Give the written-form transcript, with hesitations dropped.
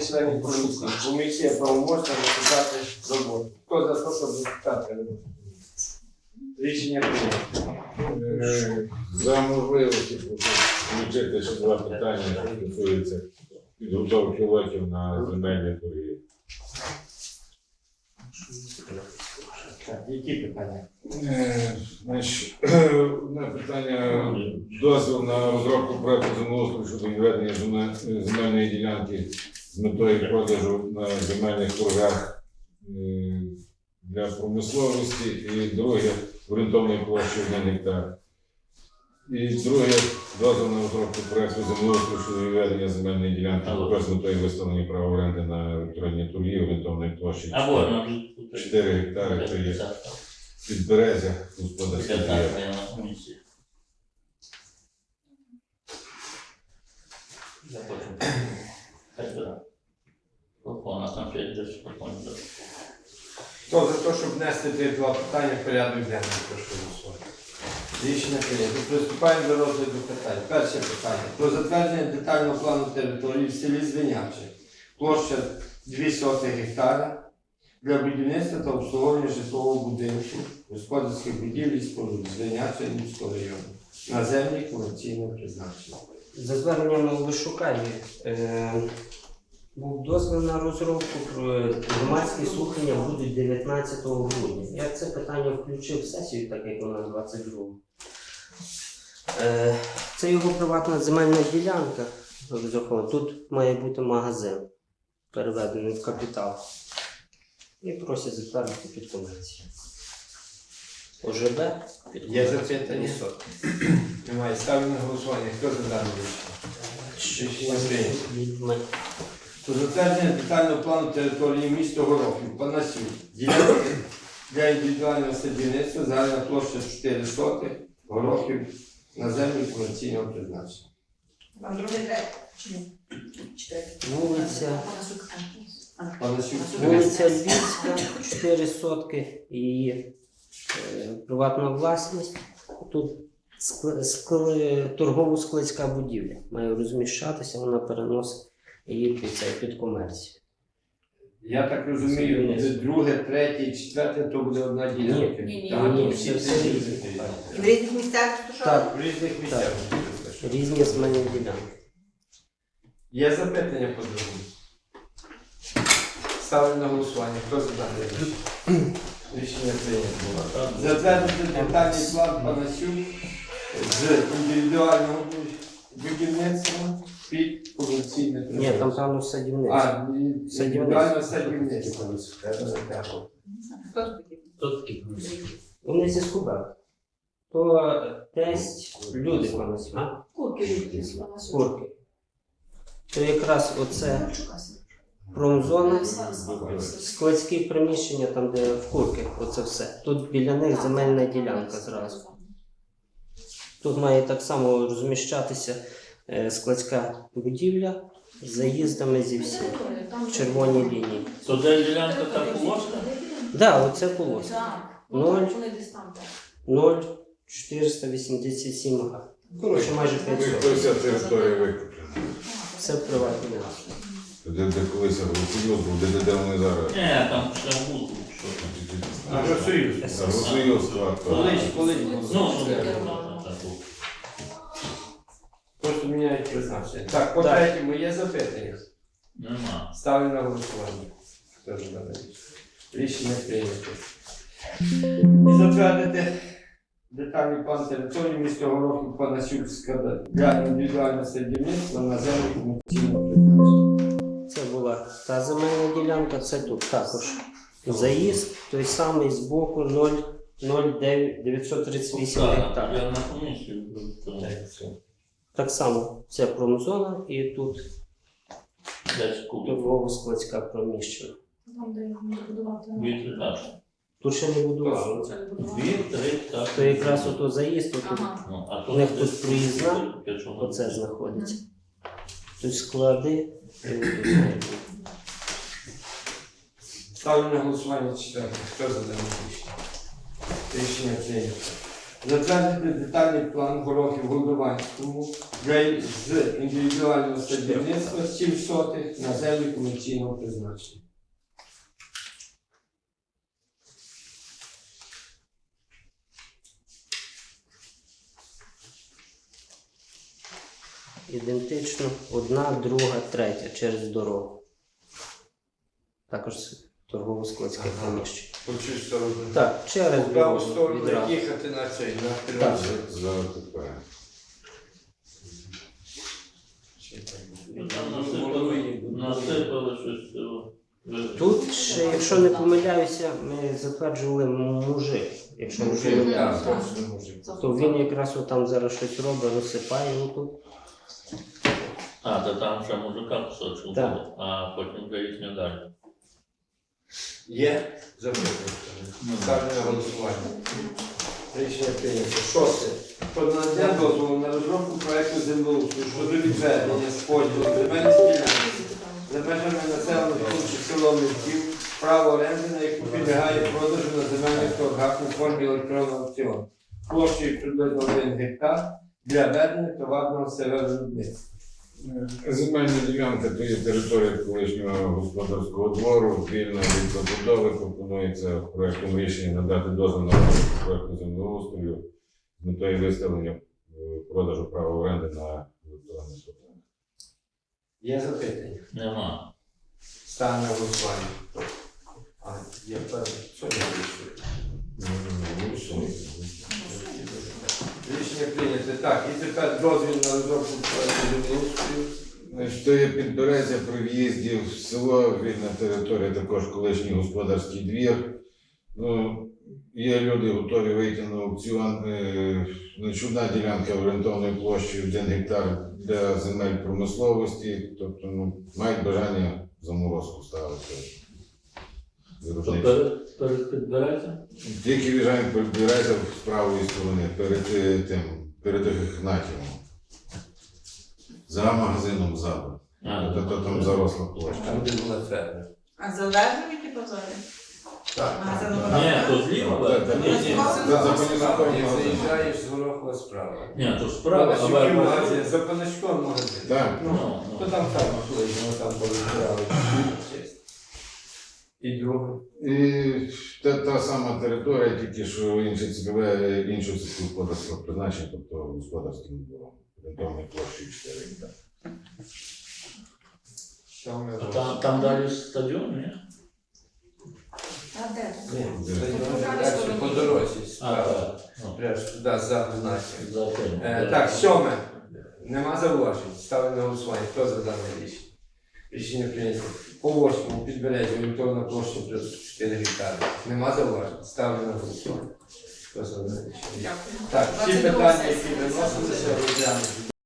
є членів комісії. Комісія правомочна розпочати роботу. Хто за те, щоб розпочати роботу? Рішення прийнято. За можливості включити ще два питання, що стосуються підготовки лотів на земельні торги. Так, які питання? Значить, одне питання. Дозвіл на розробку проекту землеустрою щодо відведення земельної ділянки з метою продажу на земельних торгах для промисловості, і друге орієнтовної площі 1 гектар. І друге дозвіл на розробку проекту землеустрою щодо відведення земельної ділянки з метою виставлення права оренди на електронні торги орієнтовної площі 4 гектари. Це є Підберезя, господарська діяльність. Хто за те, щоб внести ці два питання в порядок денний, прошу голосувати. Рішення прийнято. Приступаємо до розгляду питань. Перше питання. Про затвердження детального плану території в селі Звиняче. Площа 200 гектара для будівництва та обслуговування житлового будинку, господарських будівель і споруд Звиняче Львівського району на землі комерційного призначення. За зверненням Олешука був дозвіл на розробку, громадські слухання будуть 19 грудня. Я це питання включив в сесію, так як вона 22. Це його приватна земельна ділянка. Тут має бути магазин, переведений в капітал. І просять затвердити під комерцію. ОЖБ під Є комерцію. запитання? Немає. Ставлю на голосування. Хто за дане рішення? Рішення прийнято. Про затвердження детального плану території міста Горохів, Панасів, ділянки для індивідуального садівництва, загальна площа 4 сотих, Горохів на землі комерційного призначення. Вам другий третій? Чи ні? Вулиця Панасів, Вулиця Львівська, 4 сотки, її приватна власність. Тут торгово-складська будівля має розміщатися, вона переносить її під комерцію. Я так розумію, друге, третє і четверте то буде одна ділянка. Ні. Так, Ні, всі це це все різні. різні. І в різних місцях що? Так. В різних місцях. Різні земельні ділянки. Є запитання по другому? Ставлю на голосування. Хто за дане рішення? Рішення прийнято. Затвердити детальний план Панасюк з індивідуального будівництва під комерційне Ні, призначення. там певно садівництво. А, індивідуальне садівництво. Хто ж такий? Вони зі Скубер. То тесть люди поносять. Курки. Курки. То якраз оце промзона, складські приміщення, там де в курки, оце все. Тут біля них земельна ділянка зразу. Тут має так само розміщатися складська будівля з заїздами зі всіх. В червоній лінії. То де ділянка та полоска? Так, оце полоска. Ноль. 0,487 га. Коротше, майже 500. Вся територія викуплена. Це приватні власності. Де колись Агросоюз був, де вони зараз. Ні, там ще буду. Агросоюз. Агросоюз, так. Колись Ну, просто міняють призначення. Так, по третьому є запитання? нема. Ставлю на голосування. Хто за дане рішення? Рішення прийнято. І затвердити детальний план території міста Горохів Панасюкська для індивідуального садівництва на землі комерційного призначення. Це була та земельна ділянка, це тут також. Заїзд той самий з боку 0,938 гектар. Я на комісію. Так само це промзона і тут Десь купив. торгово-складська приміщення. Там, де можна будувати. Дві-три дачі. Тут ще не будували. Це не будувати. Дві-три, так. То якраз ото заїзд, тут Ага. Ну, а У них тут тут десь проїзна, якщо воно- оце знаходиться. Тут склади і тут має бути. Ставлю на голосування четверте. Хто за дане рішення? Рішення прийнято. Затвердити детальний план горохів Голдованському з індивідуального садівництва 7 сотих на землі комерційного призначення. Ідентично, одна, друга, третя через дорогу. Також торгово-складське приміщення. По цю сторону. Так, через По праву дорогу сторону відразу. їхати на цей, на Так. Тривасі. За ТП. Там насипали щось цього. Тут ще, якщо не помиляюся, ми затверджували мужик. Якщо не Мужик, помиляюся, так, точно мужик. то він якраз там зараз щось робить, розсипає отут. А, то там ще мужика кусочок Так. буде, а потім вже їхнє далі. Є запитання. Ставлю на голосування. Рішення прийнято. Шосте. Про надання дозволу на розробку проекту землеустрою щодо відведення з поділу земельних ділянок за межами населених пунктів село Міськів, право оренди, на яку підлягає продажу на земельних торгах у формі електронного аукціону. Площею приблизно 1 гектар для ведення товарного сировиробництва. Земельна ділянка то є територія колишнього господарського двору, вільна від забудови. Пропонується проектом рішення надати дозвіл на розробку проекту землеустрою з метою виставлення продажу права оренди на електронний соток. Є запитання? Нема. Ставлю на голосування. А, є певне. Що я вирішую? Рішення прийнято. Так, і тепер дозвіл на розробку проекту землеустрою. Значить, то є Підберезя при в'їзді в село, вільна територія, також колишній господарський двір. Ну, є люди готові вийти на аукціон. Значить, одна ділянка орієнтовною площею 1 гектар для земель промисловості, тобто мають бажання заморозку ставити. То Виробничі. перед підбирається? Тільки в'їжджаємо Підберезя з правої сторони, перед Ігнатівом. За магазином ззаду. То там заросла площа. Там, де була ферма. А залежно які позори? Так. Ні, то зліва. Так, так. Ні, ні. За Панасюком Як магазин. заїжджаєш з Горохова справа. Ні, то справа, а Панасюків ви- магазин, за Панасюком магазин. Так. Ну, то там ферма колишня, там повибирали. І друге. І та сама територія, тільки що інше цільове, іншого сільськогосподарського призначення, тобто господарським двором. Орієнтовною площею 4 гектари. Що ми А там далі стадіон, ні? А де? Ні, Де? далі по дорозі А, справа. так. Ну, Прямо туди, за Гнатів. за тим. Так, 7. Нема зауважень. Ставлю на голосування. Хто за дане рішення? Рішення прийнято. По 8 Підберезі орієнтовна площа 4 гектари. Нема зауважень. Ставлю на голосування. Хто за дане рішення? Дякую. Так, всі 22 питання, сесія. які виносилися, розглянуті.